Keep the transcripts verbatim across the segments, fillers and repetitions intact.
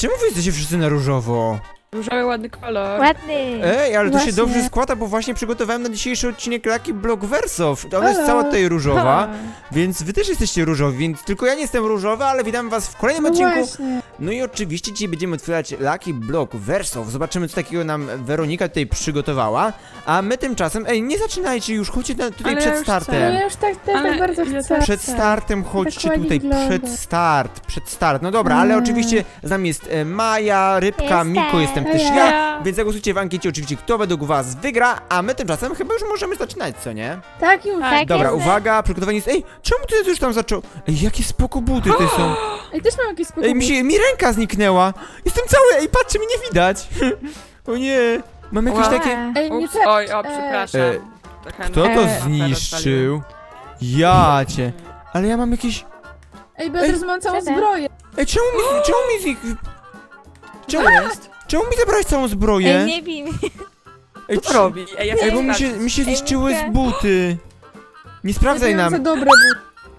czemu wy jesteście wszyscy na różowo? Różowy, ładny kolor. Ładny. Ej, ale to się Właśnie. dobrze składa, bo właśnie przygotowałem na dzisiejszy odcinek Lucky Block Wersow. Ona jest cała tutaj różowa, Ha. więc wy też jesteście różowi, więc tylko ja nie jestem różowy, ale witam was w kolejnym No odcinku. właśnie. No i oczywiście dzisiaj będziemy otwierać Lucky Block Wersow. Zobaczymy, co takiego nam Weronika tutaj przygotowała. A my tymczasem, ej, nie zaczynajcie już, chodźcie na, tutaj Ale przed ja już No startem. ja już tak, też Ale tak bardzo ja chcę. Przed startem chodźcie ładnie tutaj, wygląda. przed start, przed start. No dobra, ale Mm. oczywiście z nami jest e, Maja, Rybka, Jestem. Miko, jestem też Ej, ja. ja. Więc zagłosujcie w ankiecie oczywiście, kto według was wygra, a my tymczasem chyba już możemy zaczynać, co nie? Tak już. Tak. Dobra, jest. uwaga, przygotowanie jest... Ej, czemu ty już tam zaczął... Ej, jakie spoko buty te są. Ej, też mam jakieś spokój. Ej, mi, się, mi ręka zniknęła. Jestem cały, ej, patrzcie, mnie nie widać. O nie, mam jakieś Ła. takie... Ej, nie Ups, tak. oj, o, e, przepraszam. E, Trochę Kto no- to e, zniszczył? Ja cię. Ale ja mam jakieś... Ej, bo ja teraz mam całą Co to? zbroję. Ej, czemu mi... Czemu mi z nich... Czemu, Co jest? czemu mi zabrałeś całą zbroję? Ej, nie bij mnie. Ej, Co robi? Ej, ja Ej, bo chcę mi się, sprawdzić. mi się zniszczyły z Ej, buty. Nie sprawdzaj Ja mam za nam. dobre buty.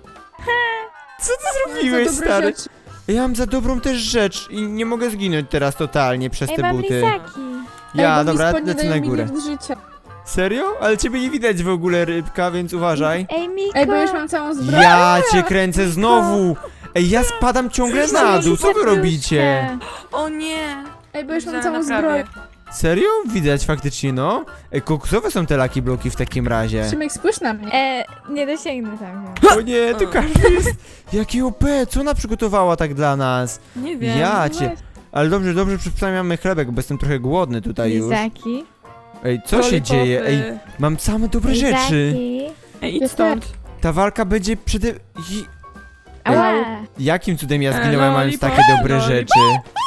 Co ty Za zrobiłeś, dobre stary? rzeczy. Ja mam za dobrą też rzecz i nie mogę zginąć teraz totalnie przez Ej, te mam buty. lizaki. Ja, Ej, bo mi dobra, spodnie lecę dają na mi górę. lift życia. Serio? Ale ciebie nie widać w ogóle, Rybka, więc uważaj. Ej, Miko. Ej, bo już mam całą zbroję. Ja cię kręcę znowu! Ej, ja spadam ciągle na dół, co wy robicie? O nie! Ej, bo już mam Zaraz całą naprawię. zbroję. Serio? Widać faktycznie, no? Ej, koksowe są te Lucky Bloki w takim razie. Szymek, spójrz na mnie. E, nie dosięgnę tam. O nie, to każdy jest... Jaki O P, co ona przygotowała tak dla nas? Nie wiem. Ja cię... Ale dobrze, dobrze, przynajmniej mamy chlebek, bo jestem trochę głodny tutaj już. Lizaki. Ej, co się dzieje? Ej, mam same dobre rzeczy. Lizaki. Ej, idź stąd. Ta walka będzie przede... I- Ała. Jakim cudem ja E, zginąłem, mając lollipop. takie dobre Lollipop. rzeczy?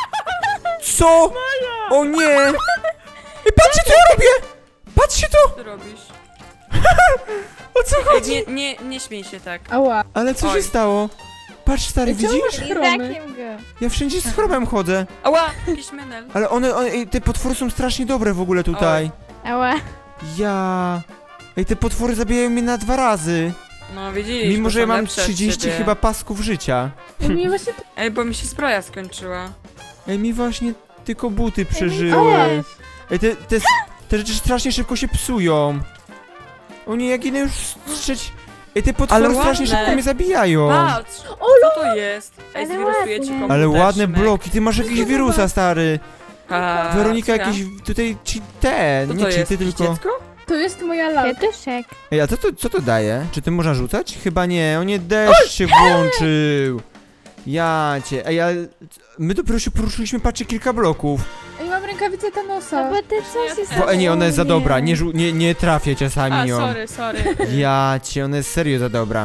Co? O nie! Ej, patrzcie co ja robię! Patrzcie to! Co ty robisz? O co Ej, chodzi? nie, nie, nie śmiej się tak. Ała. Ale co się Oj. stało? Patrz stary, Ej, czemu widzisz? masz chromy? Lizakiem go. Ja wszędzie z chromem chodzę. Ała, jakiś menel. Ale one, one ej, te potwory są strasznie dobre w ogóle tutaj. Ała. Ja... Ej, te potwory zabijają mnie na dwa razy. No widzisz, Mimo, bo że ja są mam lepsze od trzydzieści ciebie. chyba pasków życia. Ej, mnie właśnie... Ej, bo mi się zbroja skończyła. Ej, mi właśnie tylko buty Ej, przeżyły. Miko. Ej, te, te, te rzeczy strasznie szybko się psują. O nie, ja ginę już strzeć. Ej, te potwory Ale strasznie ładne. szybko mnie zabijają. Patrz! O, Co to jest? Ej, Ale zwirusuję ci ładne. komputer, Ale ładne Szymek. bloki, ty masz jakiś wirusa, stary. A, Weronika, co ja? jakiś tutaj ci ten, Co nie to jest? cheaty, Jakieś tylko... dziecko? to jest moja lalka. Kwiatuszek. Ej, a co to, co to daje? Czy ty można rzucać? Chyba nie, o nie, deszcz się włączył. Ja cię, ej, ale my dopiero się poruszyliśmy, patrzcie, kilka bloków. Ej, mam rękawicę No Thanosa. bo ty coś jest... Bo, ej, nie, ona jest za dobra, nie, żu- nie, nie trafię A, czasami ją. sorry, sorry. Ja cię, ona jest serio za dobra.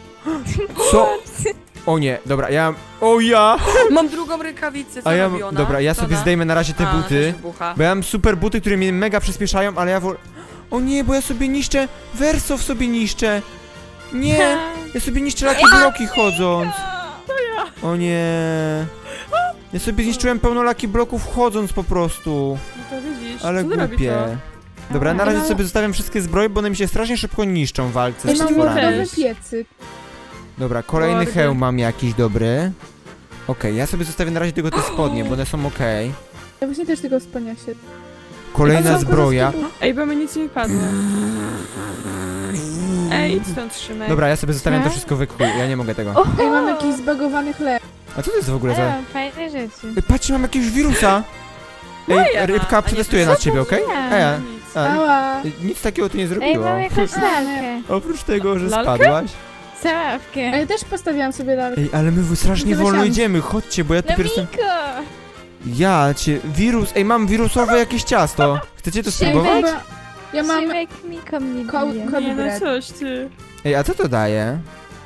Co? O nie, dobra, ja... O ja! Mam drugą rękawicę, co A ja... robi ona? Dobra, ja Co sobie da? zdejmę na razie te A, ona buty. też wybucha. Bo ja mam super buty, które mnie mega przyspieszają, ale ja wol... O nie, bo ja sobie niszczę... Wersow sobie niszczę. Nie, ja sobie niszczę Lucky Bloki chodząc. O nie. Ja sobie zniszczyłem pełno Lucky Bloków chodząc po prostu. No to widzisz, Ale co ty robisz głupie. to? Dobra, na Ej, razie mam- sobie zostawiam wszystkie zbroje, bo one mi się strasznie szybko niszczą w walce Ej, z mam Czemu potworami. też? nowy piecyk. Dobra, kolejny Mordy. hełm mam jakiś dobry. Okej, ja sobie zostawię na razie tylko te spodnie, bo one są okej. Ja właśnie też tego spodnia się... Kolejna Ej, co, zbroja. kurwa, Ej, bo mi nic nie padło. Ej, idź stąd, Szymek. Dobra, ja sobie zostawiam to Co? wszystko w chuj, ja nie mogę tego. O, Ej, mam jakiś zbagowany chleb. A co to jest w ogóle ale za... mam fajne rzeczy. Ej, patrzcie, mam jakiegoś wirusa! Moja, Ej, Rybka, a nie przetestuję to na co ciebie, to okej? ja? Ej, Nic. a, Ała. nic takiego tu nie Ej, zrobiło. mam jakąś lalkę. Oprócz tego, że Lalkę? spadłaś. Saławkę. Ej, też postawiłam sobie lalkę. Ej, ale my strasznie Zobaczyłam. wolno idziemy, chodźcie, bo ja No dopiero jestem... Miko! Ja cię, wirus, ej, mam wirusowe jakieś ciasto. Chcecie to Ej, spróbować? chyba... Ja mam... Szymek Miko mnie Ko- bije. ko- Nie, no bread. coś, ty. Ej, a co to daje?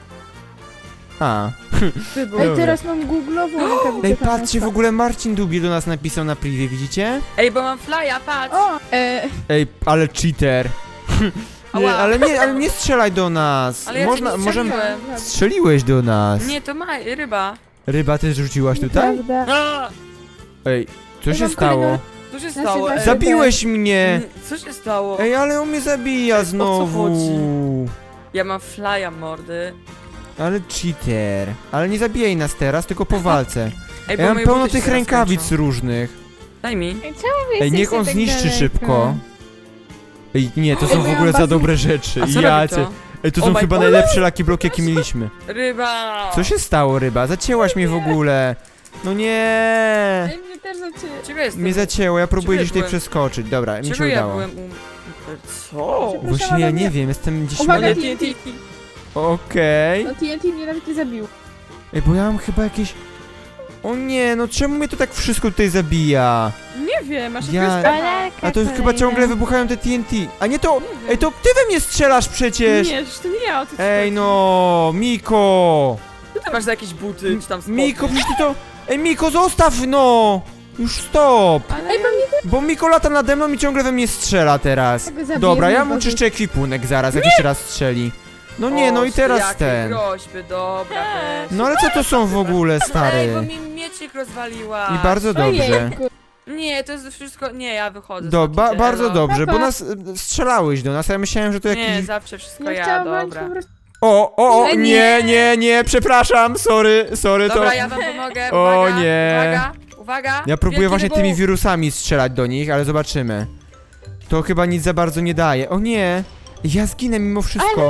A. Wybuch. Ej, Dobra. teraz mam googlową rękawicę Ej, Thanosa. patrzcie, w ogóle Marcin Długi do nas napisał na privie, widzicie? Ej, bo mam flya, patrz. O! E, Ej, ale cheater. Nie, Ała. ale nie, ale nie strzelaj do nas. Ale ja Można, cię nie możemy... strzeliłem. Strzeliłeś do nas. Nie, to ma ryba. Ryba też rzuciłaś tutaj? Prawda. A, Ej, co Ja się mam stało? kolejną- co się Znaczy, stało? właśnie- Ej, Zabiłeś mnie! Co się stało? Ej, ale on mnie zabija znowu. chodzi? Ja mam flya, mordy. Ale cheater. Ale nie zabijaj nas teraz, tylko po walce. Ej, bo Ja mam moje pełno buty się tych zaraz rękawic kończą. różnych. Daj mi. Ej, czemu wy Ej, niech jesteście on tak zniszczy daleko? szybko. Ej, nie, to są Ej, w ja ogóle za mam dobre rzeczy. A co Ja robi cię. to? Ej, to Oh są my chyba God. najlepsze laki bloki, jakie mieliśmy. Ryba! Co się stało, ryba? Zacięłaś mnie w ogóle. No nie. Ej, mnie też zaczęło. Czego jestem? Mnie zacięło, ja próbuję Czego gdzieś tutaj byłem? przeskoczyć. Dobra, mi Czego się ja udało. byłem um... Co? Właśnie ja nie wiem, jestem gdzieś... Uwaga, Nie, mega- nie, nie, nie. Okej. No T N T mnie nawet nie zabił. Ej, bo ja mam chyba jakieś... O nie, no czemu mnie to tak wszystko tutaj zabija? Nie wiem, masz Ja- jakiegoś Palerka A to chyba kolejna. ciągle wybuchają te T N T. A nie to... Ej, to ty we mnie strzelasz przecież! Nie, że to nie ja o tym Ej no, Miko! Co ty masz za jakieś buty, czy tam spodnie? Miko, przecież ty to... Ej, Miko, zostaw no! Już stop! Ale Ej, ja... pewnie Bo Miko lata nade mną i ciągle we mnie strzela teraz. tego zabiję. Dobra, ja znowu. mu czyszczę ekwipunek zaraz, jak jeszcze raz strzeli. No nie, no i O, teraz jakie ten. groźby, dobra, weź. No ale co to są w ogóle, Ej, bo stary? mi miecik rozwaliła. I bardzo dobrze. Ojejku. Nie, to jest wszystko... Nie, ja wychodzę. Do, stąd, ba, idę, bardzo elo. dobrze, bo Papa. nas y, strzelałeś do nas, a ja myślałem, że to Nie, jakiś... zawsze wszystko Ja ja, chciałam walić dobra. po prostu. O, o, o, Ej, nie, nie. nie, nie, przepraszam, sorry, sorry, to... Dobra, ja wam pomogę, O, uwaga, nie. uwaga, uwaga. Ja próbuję Wielki właśnie wybuch. tymi wirusami strzelać do nich, ale zobaczymy. To chyba nic za bardzo nie daje. O nie! Ja zginę mimo wszystko.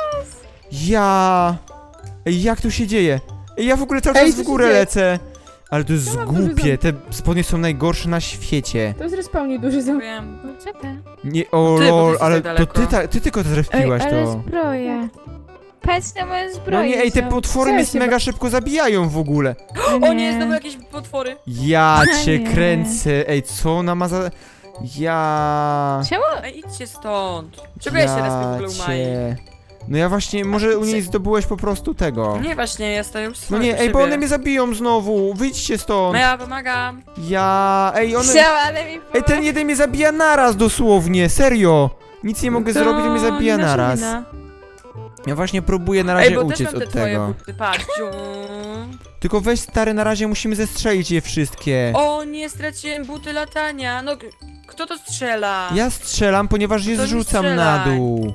Ja... Ej, jak to się dzieje? Ej, ja w ogóle cały Ej, czas co w się górę dzieje? lecę. Ale to jest Ja mam duży głupie, te spodnie są najgorsze na świecie. To jest respawnie duży ząb. Wiem. No, co to? Nie, o Ty, bo ty lol, jesteś ale tak to daleko. ty, ta, ty tylko Ej, zrespiłaś ale to. zbroja. Patrz na moje No zbroje. nie, ej, te są. potwory Co mnie się mega szybko zabijają w ogóle. O nie, znowu jakieś potwory. Ja cię Nie. kręcę. Ej, co ona ma za... Ja... Czemu? Ej, idźcie stąd. Czego ja się raz w ogóle umaję? cię. No ja właśnie, może u niej Cy- zdobyłeś po prostu tego. Nie, właśnie, ja stoję już No swoje nie, przy ej, bo siebie. one mnie zabiją znowu. Wyjdźcie stąd. No ja pomagam. Ja... Ej, one... Chciała, ale mi Ej, ten jeden mnie zabija naraz dosłownie, serio. Nic nie mogę To zrobić, on mnie zabija nie nasza naraz. wina. Ja właśnie próbuję na Ej, razie bo też uciec mam te od twoje tego. buty, patrz. Ciu. Tylko weź stary, na razie musimy zestrzelić je wszystkie. O, nie, straciłem buty latania. No, k- kto to strzela? Ja strzelam, ponieważ je To nie zrzucam na strzelaj. dół.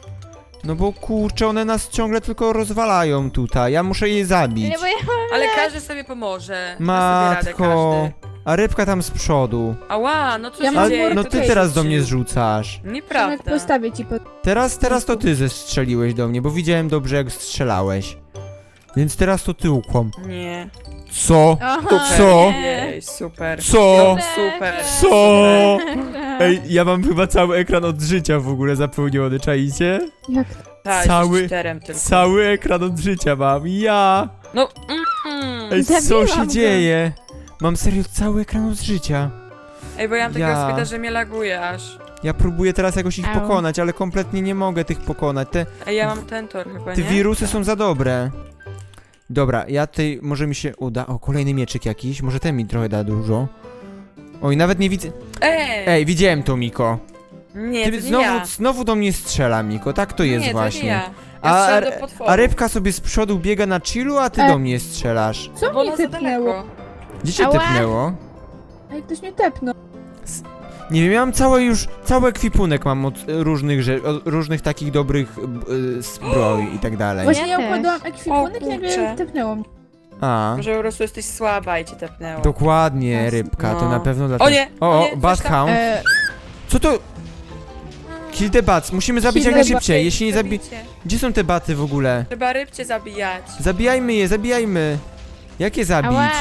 No bo kurczę, one nas ciągle tylko rozwalają tutaj. Ja muszę je zabić. Nie, bo ja mam... Ale każdy sobie pomoże. Da sobie radę Matko. każdy. A rybka tam z przodu. Ała, no co Ja się mam Ale dzieje? no Kto ty to teraz do rzucił? mnie zrzucasz. Przemek, Nieprawda. postawię ci pod... Teraz, teraz to ty zestrzeliłeś do mnie, bo widziałem dobrze jak strzelałeś. Więc teraz to ty ukłam. Nie. Co? Aha, Co? nie. Jej, super. Co? No, super. Co? Ej, ja mam chyba cały ekran od życia w ogóle zapełniony, czaicie? Jak Tak, Cały- jesteś cheaterem tylko. Cały ekran od życia mam, ja! No, mm, Ej, co Zabiłam się go. dzieje? Mam serio cały ekran od życia. Ej, bo ja mam takiego Ja. spita, że mnie laguje aż. Ja próbuję teraz jakoś ich Au. pokonać, ale kompletnie nie mogę tych pokonać. Te, Ej, ja mam ten tor chyba, te nie? wirusy są za dobre. Dobra, ja tutaj, może mi się uda. O, kolejny mieczyk jakiś, może ten mi trochę da dużo. Oj, nawet nie widzę. Ej! Ej, widziałem to, Miko. Nie, Ty to nie znowu, ja. znowu do mnie strzela, Miko, tak to jest nie, właśnie. To nie ja. Ja A, strzelam do a, potworu. a rybka sobie z przodu biega na chillu, a ty E. do mnie strzelasz. Co Bo mnie ona za tepnęło? daleko. Gdzie cię Ała. typnęło? Ej, ktoś mnie tepnął. Nie wiem, ja mam całe już, cały ekwipunek mam od e, różnych rzeczy, od różnych takich dobrych e, zbroi i tak dalej. Właśnie Ja ja układałam O, ekwipunek i nagle kurczę. tepnęło mnie. A, Może po prostu jesteś słaba i cię tepnęło. dokładnie, rybka, to No. na pewno dlatego. O nie! O, o o nie, coś Badhound. E, Co to? Kill the bats, musimy zabić Kill jak the najszybciej, tam. jeśli nie zabi... Zabijcie. Gdzie są te baty w ogóle? Trzeba rybcie zabijać. Zabijajmy je, zabijajmy. Jak je zabić? ała.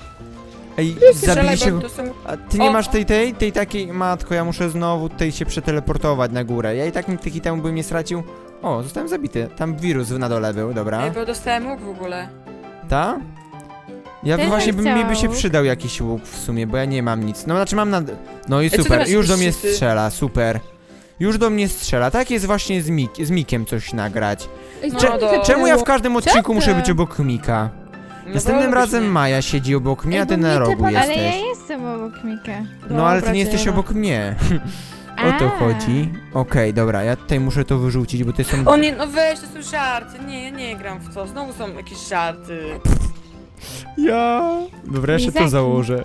Ej, Strzelaj, zabili się... bo to są... A ty nie O. masz tej, tej, tej takiej... Matko, ja muszę znowu tutaj się przeteleportować na górę. Ja i tak mi tyki temu bym nie stracił. O, zostałem zabity. Tam wirus na dole był, dobra. Ej, bo dostałem łuk w ogóle. Ta? Ja Też właśnie bym by, mi by się chciał. przydał jakiś łuk w sumie, bo ja nie mam nic. No znaczy mam na... No i co ty super, masz, już do jakieś mnie shity? strzela, super. Już do mnie strzela. Tak jest właśnie z, Mik z Mikiem coś nagrać. Ej, No co mnie do- tepnęło? Czemu ja w każdym odcinku ty? muszę być obok Mika? No Następnym bo razem robisz, Maja siedzi obok mnie, Ej, a ty bo na mnie rogu tepa- Ale ja jesteś. jestem obok Mika. No ale ty Dobra, nie jesteś dziena. obok mnie. O to A. chodzi. Okej, dobra, ja tutaj muszę to wyrzucić, bo to są... O nie, no weź, to są żarty. Nie, ja nie gram w to. Znowu są jakieś żarty. Ja... Dobra, jeszcze to Lizaki. założę.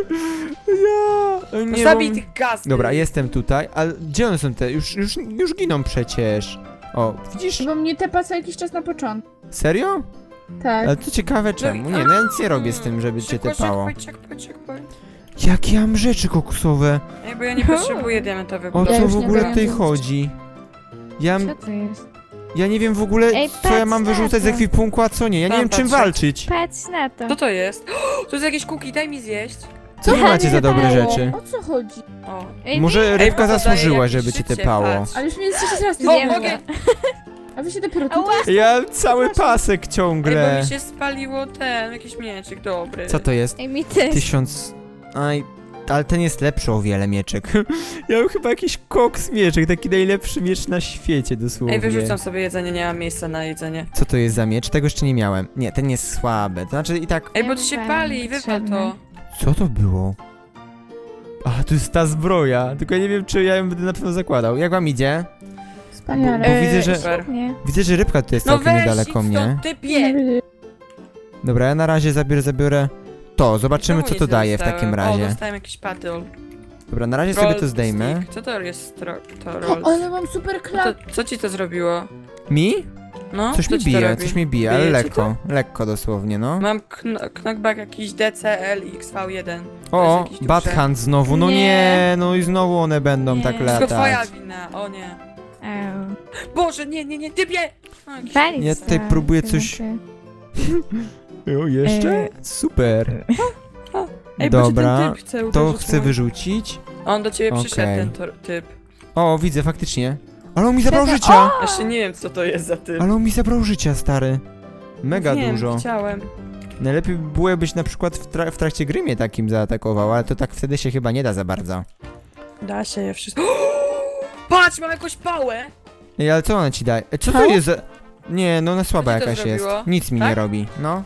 Ja... No Nie zabij mam- tych gaz. Dobra, jestem tutaj, ale gdzie one są te? Już, już, już giną przecież. O, widzisz? Bo mnie tepa co jakiś czas na początku. Serio? Tak. Ale to ciekawe czemu. Nie, no ja nic nie robię z tym, żeby cię Checkpoint, tepało. checkpoint, checkpoint, checkpoint. Jakie ja mam rzeczy koksowe? Ej, bo ja nie potrzebuję diamentowych O Ja co bloków. w już nie ogóle wiem. tutaj chodzi? Ja, Co to jest? ja nie wiem w ogóle, Ej, co ja patrz mam na wyrzucać z to. ekwipunku, a co nie. Ja nie Tam wiem czym patrzę. walczyć. Patrz na to. Co to jest? To jest jakieś kuki, daj mi zjeść. Co wy Ja macie nie za dobre dało. rzeczy? O co chodzi? O. Ej, Może Ej, rybka bo to daje zasłużyła, jakieś żeby cię życie, tepało. patrz. Ale już mnie trzeci raz O, nie mogę. A wy się dopiero Ała. tutaj... Ja mam cały pasek Ej, bo ciągle. mi się spaliło ten, jakiś mieczyk dobry. Co to jest? Ej, mi też. Tysiąc... Aj, ale ten jest lepszy o wiele mieczek. Ja mam chyba jakiś koks mieczek, taki najlepszy miecz na świecie dosłownie. Ej, wyrzucam sobie jedzenie, nie mam miejsca na jedzenie. Co to jest za miecz? Tego jeszcze nie miałem. Nie, ten jest słaby. To znaczy i tak... Ej, bo to się Chyba pali, wywal potrzebne. to. Co to było? A, to jest ta zbroja. Tylko ja nie wiem, czy ja ją będę na pewno zakładał. Jak wam idzie? Wspaniale. Bo widzę, że- Super. Nie. Widzę, że rybka tutaj jest No całkiem weź, niedaleko idź mnie. stąd, typie! Dobra, ja na razie zabiorę, zabiorę to. Zobaczymy, Znowu co nic to nie daje w dostałem. takim O, razie. dostałem jakiś patol. Dobra, na razie sobie to Roll zdejmę. stick. Co to jest tro, to O, roll? ale mam super No klap. to, co ci to zrobiło? Mi? No, Coś co mi ci to bije, robi? coś mi bije, ale Bije ci lekko. Lekko dosłownie, no. Mam kn knockback jakiś D C L X V jeden. O, jakieś duże. Bad Hand znowu, no nie. Nie. no i znowu one będą Nie. tak Wszystko twoja latać. wina, o nie. Eł. Boże, nie, nie, nie, typie! O, jakiś- Walić Ja tutaj to, próbuję to coś- znaczy. O, jeszcze? E. Super. Ej, bo cię Dobra, ten typ chce to uderzyć, chcę mój. wyrzucić. On do ciebie przyszedł, Okej. ten tor- typ. O, widzę, faktycznie. Ale on mi zabrał Siedzę- życia! Jeszcze nie wiem, co to jest za typ. Ale on mi zabrał życia, stary. Mega wiem, dużo. chciałem. Najlepiej by było, jakbyś na przykład w, tra w trakcie gry mnie takim zaatakował, ale to tak wtedy się chyba nie da za bardzo. Da się je wszystko. Patrz, mam jakąś pałę! Ej, ale co ona ci daje? E, Co to Halo? jest za... Nie, no ona słaba Co ci to jakaś jest. zrobiło? Nic mi nie Tak? robi, no.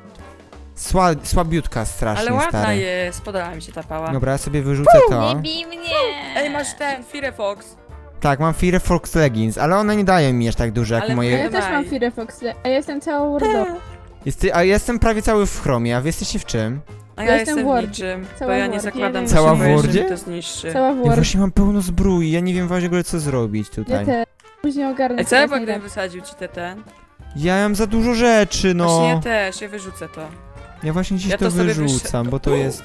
Sła słabiutka strasznie, Ale ładna stary. jest, podoba mi się ta pała. Dobra, ja sobie wyrzucę to. Nie bij mnie! Ej, masz ten, Firefox. Tak, mam Firefox Leggings, ale one nie dają mi aż tak dużo jak Ale A moje... ja też mam Firefox, a ja jestem cała wordowa. Jest, a ja jestem prawie cały w chromie, a wy jesteście w czym? A Ja ja jestem jestem w w Wordzie. niczym, bo Cała ja w nie Wordzie. zakładam Cała Cała w w Wordzie? Wordzie? To zniszczy. Cała Ja Word. właśnie mam pełno zbroi, ja nie wiem w ogóle co zrobić Ja tutaj. też. Później ogarnę. Ej, co ja teraz gdybym najlepiej. wysadził ci te ten? Ja mam za dużo rzeczy, No. Właśnie ja no. też, ja wyrzucę to. Ja właśnie dziś Ja to, to sobie wyrzucam, bo to jest...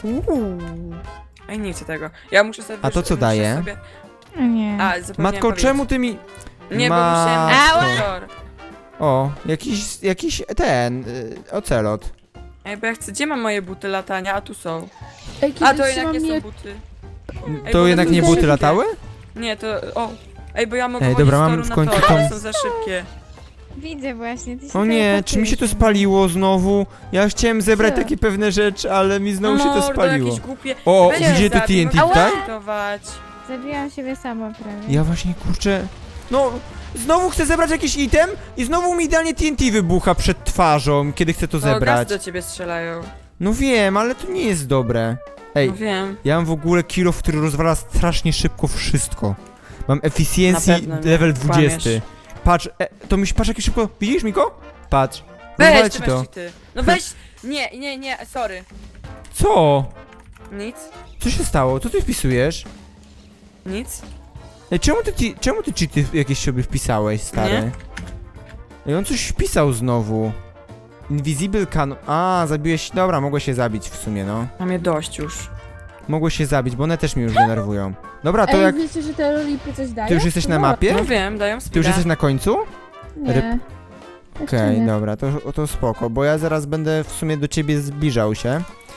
Ej, nie chcę tego. Ja muszę sobie A to wyrzu- co muszę daje? Sobie... Nie. A, zapomniałem Matko, powiedzieć. czemu ty mi... Nie, bo Matko. musiałem... Ała! O, jakiś, jakiś ten, y, ocelot. Ej, bo ja chcę... Gdzie mam moje buty latania? A tu są. Ej, A, to kiedyś jednak nie trzymam są mie- buty. To bo jednak one nie są buty szybkie. latały? Nie, to... O! Ej, bo ja mogę Ej, chodzić dobra, z mam toru w na końcu tor, tą- ale są za szybkie. Widzę właśnie. Ty się O nie, czy mi się to teleportujesz. spaliło znowu? Ja chciałem zebrać Co? takie pewne rzeczy, ale mi znowu się to Mordo, spaliło. jakieś głupie... O, Weź widzicie je to zabij, T N T mogę tutaj? zmontować. Zabiłam siebie sama prawie. Ja właśnie, kurczę... No, znowu chcę zebrać jakiś item i znowu mi idealnie T N T wybucha przed twarzą, kiedy chcę to O, gaz zebrać. do ciebie strzelają. No wiem, ale to nie jest dobre. Ej, No wiem. ja mam w ogóle kilo, który rozwala strasznie szybko wszystko. Mam efficiency Na pewno nie. level Kłamiesz. dwudziesty. Patrz, e, to mi się, patrz jak szybko... Widzisz, Miko? Patrz. Weź, Rozwalę ty ci masz to. cheaty. No weź! Nie, nie, nie, sorry. Co? Nic, Co się stało? Co ty wpisujesz? nic. Ej, czemu ty, ci- czemu ty cheaty jakieś sobie wpisałeś, stary? Nie. Ej, on coś wpisał znowu. Invisible can... A, zabiłeś... Dobra, mogłeś się zabić w sumie, no. Mam je dość już. Mogłeś się zabić, bo one też mnie już denerwują. Dobra, to Ej, jak... wiecie, że te lolipy coś dają? Ty już jesteś na No, mapie? No wiem, dają Ty już speeda. jesteś na końcu? Nie. Ryb- Jeszcze Okej, nie. dobra, to, to spoko, bo ja zaraz będę w sumie do ciebie zbliżał się.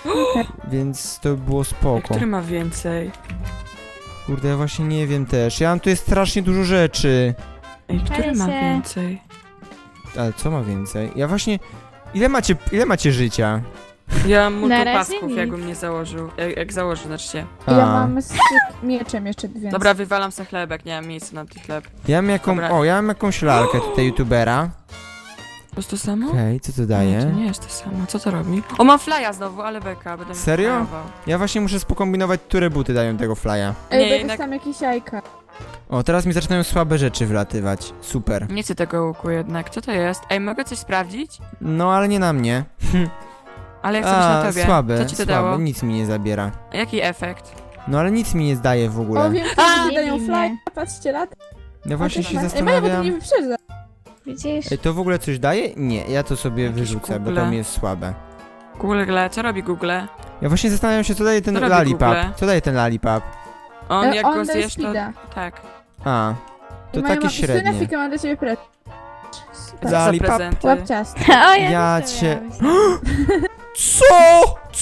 Więc to by było Ej, spoko. który ma więcej? Kurde, ja właśnie nie wiem też. Ja mam tu jest strasznie dużo rzeczy. Ej, który Pali ma się. więcej? Ale co ma więcej? Ja właśnie... Ile macie, ile macie życia? Ja mam multum Na razie pasków, nic. jakbym nie założył. Jak, jak założę, znaczy się. Ja A, mam z mieczem jeszcze więcej. Dobra, wywalam se chlebek, nie mam miejsca na ten chleb. Ja mam jaką... Dobra. O, ja mam jakąś lalkę tutaj youtubera. To jest to samo? Okej, co to Nie, to daje? nie jest to samo. Co to robi? O, mam flya znowu, ale beka, będę mi Serio? flyował. Ja właśnie muszę spokombinować, które buty dają tego flya. Ej, Nie, nie, jednak- tam jakieś jajka. O, teraz mi zaczynają słabe rzeczy wlatywać. Super. Nie chcę tego łuku jednak. Co to jest? Ej, mogę coś sprawdzić? No, ale nie na mnie. Ale ja chcę być na A, tobie. słabe, Co ci to słabe, dało? nic mi nie zabiera. A jaki efekt? No, ale nic mi nie zdaje w O, ogóle. wiem, A, że nie dają bij fly. mnie. Patrzcie, lat. Ja właśnie się Ej, Maja, bo to zastanawiam... mnie wyprzedza. Widzisz? Ej, to w ogóle coś daje? Nie, ja to sobie Jakieś wyrzucę, bo Google. to mi jest słabe. Google, co robi Google? Ja właśnie zastanawiam się, co daje ten Co robi lollipop. Google? Co daje ten lollipop? On E, jak on go daje zjesz, to... speeda. Tak. A, to I moja takie ma- średnie. Słynefika ma dla ciebie prezent. Co Za- za Lollipop. prezenty? Łap ciasto. O, ja, Ja też to cię- miałam. Co?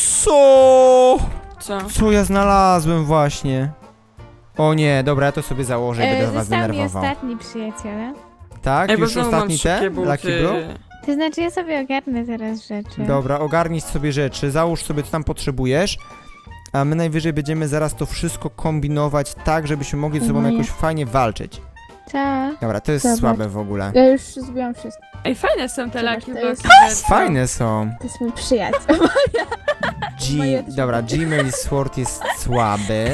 Co? Co? Co ja znalazłem właśnie? O nie, dobra, ja to sobie założę i E, będę was Został mi denerwował. ostatni przyjaciele. Tak? Ej, bo Już znowu mam ostatni te? szybkie Lucky buty. Blue? To znaczy ja sobie ogarnę teraz rzeczy. Dobra, ogarnij sobie rzeczy, załóż sobie co tam potrzebujesz, a my najwyżej będziemy zaraz to wszystko kombinować tak, żebyśmy mogli ze sobą Moje. jakoś fajnie walczyć. Co? Dobra, to jest Zobacz. słabe w ogóle. Ja już zbiłam wszystko. Ej, fajne są te Zobacz, laki to bloki. jest- Fajne są. To jest mój przyjaciel. G... Moje też Dobra, takie. Gmail Sword jest słaby.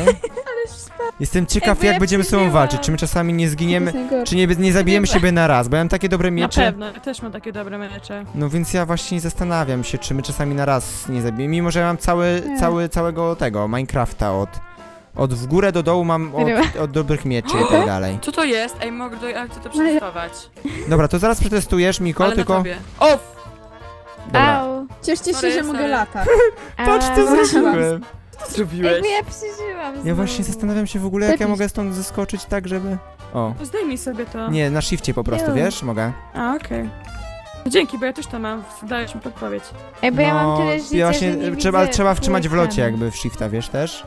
Jestem ciekaw, Ej, bo jak ja będziemy ze sobą przeżyłam. walczyć. Czy my czasami nie zginiemy, To jest najgorsze. czy nie, nie zabijemy siebie na raz, bo ja mam takie dobre Na miecze. pewno, ja też mam takie dobre mecze. No więc ja właśnie zastanawiam się, czy my czasami na raz nie zabijemy, mimo że ja mam cały, Nie. cały, całego tego, Minecrafta od, od w górę do dołu mam od, od dobrych mieczy i tak dalej. Co to jest? Ej, mogę do... ja chcę to przetestować. Dobra, to zaraz przetestujesz, Miko, Ale tylko... na tobie. O! Dobra. Au. Cieszcie się, Sorry, że mogę sorry. latać. Patrz, Ała. co zrobiłem. Co zrobiłeś? Jakby ja przeżyłam Ja znowu. właśnie zastanawiam się w ogóle, jak ja Lepiej. mogę stąd zeskoczyć tak, żeby... O, Zdejmij sobie to. nie, na shifcie po prostu, Ju. wiesz? Mogę. A, okej. Dzięki, bo ja też to mam. Dałeś mi podpowiedź. Ej, bo ja mam tyle życia, No, ja właśnie, że nie trzeba, widzę trzeba wtrzymać w locie ekranu. jakby w shifta, wiesz też?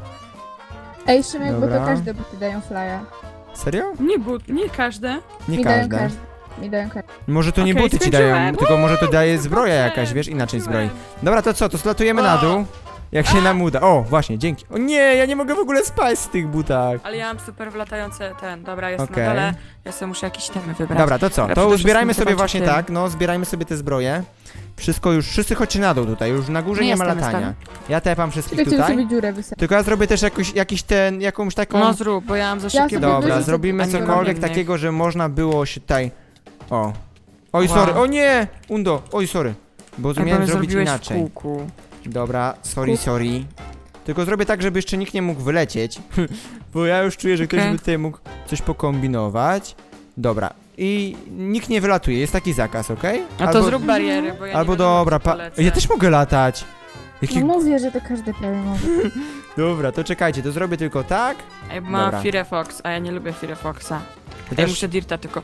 Ej, Szymek, bo Dobra. to każde buty dają flya. Serio? Nie but, nie każde. Nie Mi dają każde. każde. Mi dają każde. Może to nie Okej, buty ci skończyłem. dają, tylko może to daje zbroja Skończyłem, jakaś, wiesz, inaczej zbroi. skończyłem. Dobra, to co, to zlatujemy na O! dół, jak się nam uda. O, właśnie, dzięki. O nie, ja nie mogę w ogóle spać w tych butach. Ale ja mam super wlatające ten. Dobra, jestem Okej. na dole. Ja sobie muszę jakieś temy wybrać. Dobra, to co, Ja to przede zbierajmy wszystkim sobie zobaczę właśnie tym. tak, no, zbierajmy sobie te zbroje. Wszystko już, wszyscy chodźcie na dół tutaj, już na górze nie, Nie ma jestem, latania. Ja tepam wszystkich Tylko chciałem tutaj. sobie dziurę wysadzić. Tylko ja zrobię też jakoś, jakiś ten, jakąś taką... No zrób, bo ja mam za szybkie sobie Dobra, wyrzucę zrobimy tylko cokolwiek innych. takiego, że można było się tutaj... O. Oj, Wow. sorry, o nie! Undo, oj, sorry. Bo Ej, bo miałem mnie zrobić zrobiłeś inaczej. w kółku. Dobra, sorry, Kup. sorry. Tylko zrobię tak, żeby jeszcze nikt nie mógł wylecieć. Bo ja już czuję, że ktoś Okej. by tutaj mógł coś pokombinować. Dobra. I nikt nie wylatuje, jest taki zakaz, okej? A to zrób bariery, bo ja Albo nie wiadomo, dobra, gdzie pa... polecę. Ja też mogę latać. Jaki... No mówię, że to każde prawie może. Dobra, to czekajcie, to zrobię tylko tak. Ej, bo mam Dobra. Firefox, a ja nie lubię Firefoxa. Ja Ej, też... muszę Dirta tylko...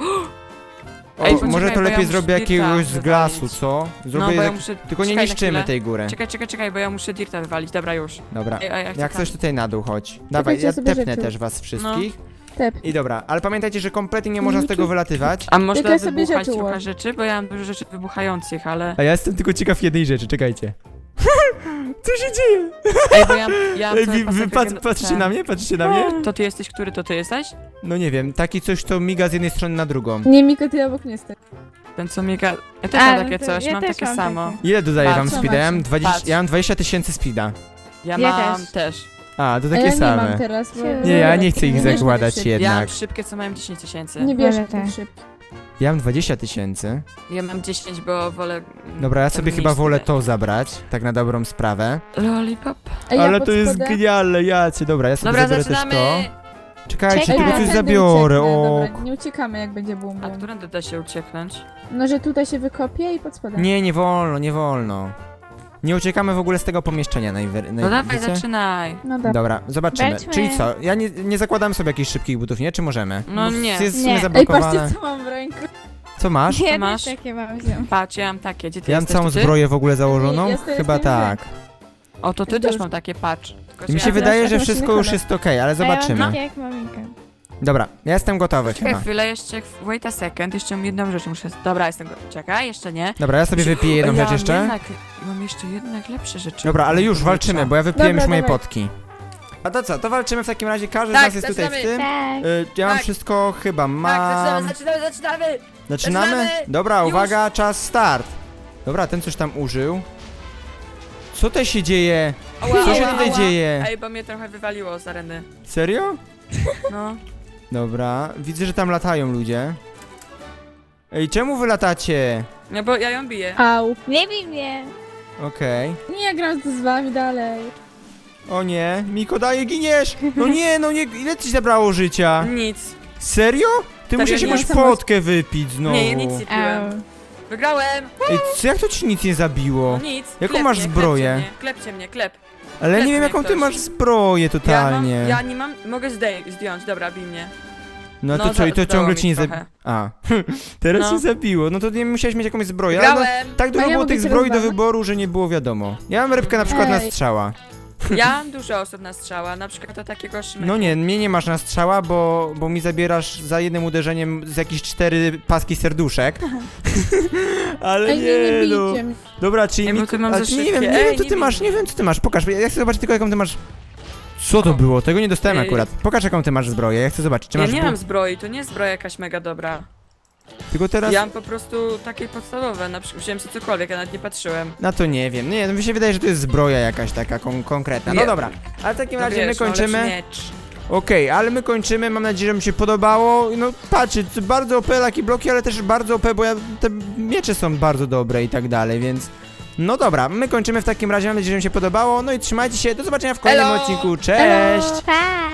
o, Ej, może poczekaj, to bo ja lepiej muszę zrobię dirta jakiegoś z glasu, wywalić. co? Zrobię No, bo ja jak... muszę... Tylko nie czekaj na niszczymy chwilę. tej góry. Czekaj, czekaj, czekaj, bo ja muszę Dirta wywalić. Dobra, już. Dobra. Ej, a ja chcę Jak tam. coś tutaj na dół chodź. Dawaj, ja sobie tepnę rzeczy. też was wszystkich. Tep. I dobra, ale pamiętajcie, że kompletnie nie można z tego wylatywać. A można Tylko ja sobie wybuchać rzeczy trochę ułożę. rzeczy, bo ja mam dużo rzeczy wybuchających, ale... A ja jestem tylko ciekaw jednej rzeczy, czekajcie. Co się dzieje? Ej, bo ja, ja mam Ej, cały wy, pasek wy pat, gen- patrzycie ten. na mnie? Patrzycie na mnie? To ty jesteś, który to ty jesteś? No nie wiem, taki coś, co miga z jednej strony na drugą. Nie, Miko, ty obok nie stoi. Ten co miga... Ja też A, mam no takie to coś, ja mam też takie mam samo. takie. Ile dodaję Patrz, wam co speeda? Ja mam macie? dwadzieścia, Patrz. ja mam dwadzieścia tysięcy speeda. Ja, Ja mam też. też. A, to A takie ja nie same. mam teraz, bo... Nie, Nie, ja nie chcę ich Nie bierz zakładać szybko. Ja mam jednak. szybkie, co mają dziesięć tysięcy. Nie bierz Wolę tak też. szybko. Ja mam dwadzieścia tysięcy. Ja mam dziesięć, bo wolę... mm, Dobra, ja ten sobie chyba mniejszy wolę dać. to zabrać, tak na dobrą sprawę. Lollipop. Ej, ja Ale pod to jest spodem- genialne, jacie. Dobra, ja sobie Dobra, zabiorę zaczynamy! też to. Czekajcie, Czekaj. tylko Ja coś tędy zabiorę, ucieknę, o. Dobra, nie uciekamy, jak będzie bum A bum. którędy da się ucieknąć? No, że tutaj się wykopie i pod spodem. Nie, nie wolno, nie wolno. Nie uciekamy w ogóle z tego pomieszczenia najwy... No dawaj, wiecie? zaczynaj. No dobra. Dobra, zobaczymy. Wejdźmy. Czyli co? Ja nie, nie zakładam sobie jakichś szybkich butów, nie? Czy możemy? No Bo nie. Jest w Nie. sumie Ej, Ej, zablokowane. patrzcie, co mam w ręku. Co masz? Ja masz? też takie mam wziąć. Patrz, ja mam takie. Gdzie ty Ja mam jesteś? całą To ty? zbroję w ogóle założoną? Nie, jestem- Chyba jestem tak. O, to ty Jest też dużo. mam takie, patrz. Tylko, I mi że się ja- wydaje, teraz że masz wszystko inny już kolor. jest okej, ale A ja mam zobaczymy. takie jak maminka. Dobra, ja jestem gotowy Czekaj chyba. chwilę, jeszcze, wait a second, jeszcze jedną rzecz muszę... Dobra, jestem go... Czekaj, jeszcze nie. Dobra, ja sobie wypiję jedną ja rzecz mam jeszcze. Jednak, mam jeszcze jednak lepsze rzeczy. Dobra, ale już walczymy, bo ja wypiłem Dobra, już moje dawaj. potki. A to co, to walczymy w takim razie, każdy Tak, z nas jest tutaj w zaczynamy. tym. Tak. Y, ja mam Tak. wszystko chyba, mam... Tak, zaczynamy, zaczynamy, zaczynamy! Zaczynamy? zaczynamy. Dobra, Już. uwaga, czas start. Dobra, ten coś tam użył. Co to się dzieje? Ała, Co się ała, tutaj ała. dzieje? Ej, bo mnie trochę wywaliło z areny. Serio? No. Dobra, widzę, że tam latają ludzie. Ej, czemu wy latacie? No bo ja ją biję. Au. Nie bij mnie. Okej. Nie, ja gram z wami dalej. O nie, Miko daje, giniesz! No nie, no nie, ile ci zabrało życia? Nic. Serio? Ty Serio, musisz nie jakąś mam potkę wypić znowu. Nie, nic nie piłem. Au. Wygrałem! Ej, co, jak to ci nic nie zabiło? No nic. Jaką klep masz mnie, zbroję? Klepcie mnie, klepcie mnie, klep. Ale Klep nie wiem mnie jaką ty ktoś. masz zbroję totalnie. Ja, mam, ja nie mam, mogę zdej- zdjąć, dobra, bij mnie. No to no, co, i to za- ciągle dało ci nie mi zabiło. trochę. A, teraz No. się zabiło. No to nie musiałeś mieć jakąś zbroję. Ale no, Wygrałem! tak dużo A ja było mogę tych cię zbroi do rozwalać? wyboru, że nie było wiadomo. Ja mam rybkę na przykład na Ej. strzała. Ja mam dużo osób na strzała, na przykład do takiego szmyka. No nie, mnie nie masz na strzała, bo, bo mi zabierasz za jednym uderzeniem z jakieś cztery paski serduszek. Ale Ej, nie, nie nie, no. bijcie mnie. Dobra, czyli Ej, bo Miko, ty mam a za czy nie wiem, szybkie. nie Ej, wiem co nie ty bij masz, mnie. nie wiem co ty masz. Pokaż, ja chcę zobaczyć tylko jaką ty masz. Co to O. było? Tego nie dostałem Ej. akurat. Pokaż jaką ty masz zbroję, ja chcę zobaczyć. Czy Ja masz nie bu- mam zbroi, to nie jest zbroja jakaś mega dobra. Tylko teraz. Ja mam po prostu takie podstawowe, na przykład wziąłem sobie cokolwiek, ja nawet nie patrzyłem. Na to nie wiem. Nie, no mi się wydaje, że to jest zbroja jakaś taka kon konkretna. No Nie. dobra. Ale w takim No razie my wiesz, no, kończymy. lepszy miecz. Okej, ale my kończymy, mam nadzieję, że mi się podobało. No patrzcie, c- bardzo O P laki bloki, ale też bardzo O P, bo ja, te miecze są bardzo dobre i tak dalej, więc... No dobra, my kończymy w takim razie, mam nadzieję, że mi się podobało. No i trzymajcie się, do zobaczenia w kolejnym Elo! odcinku, cześć! Pa!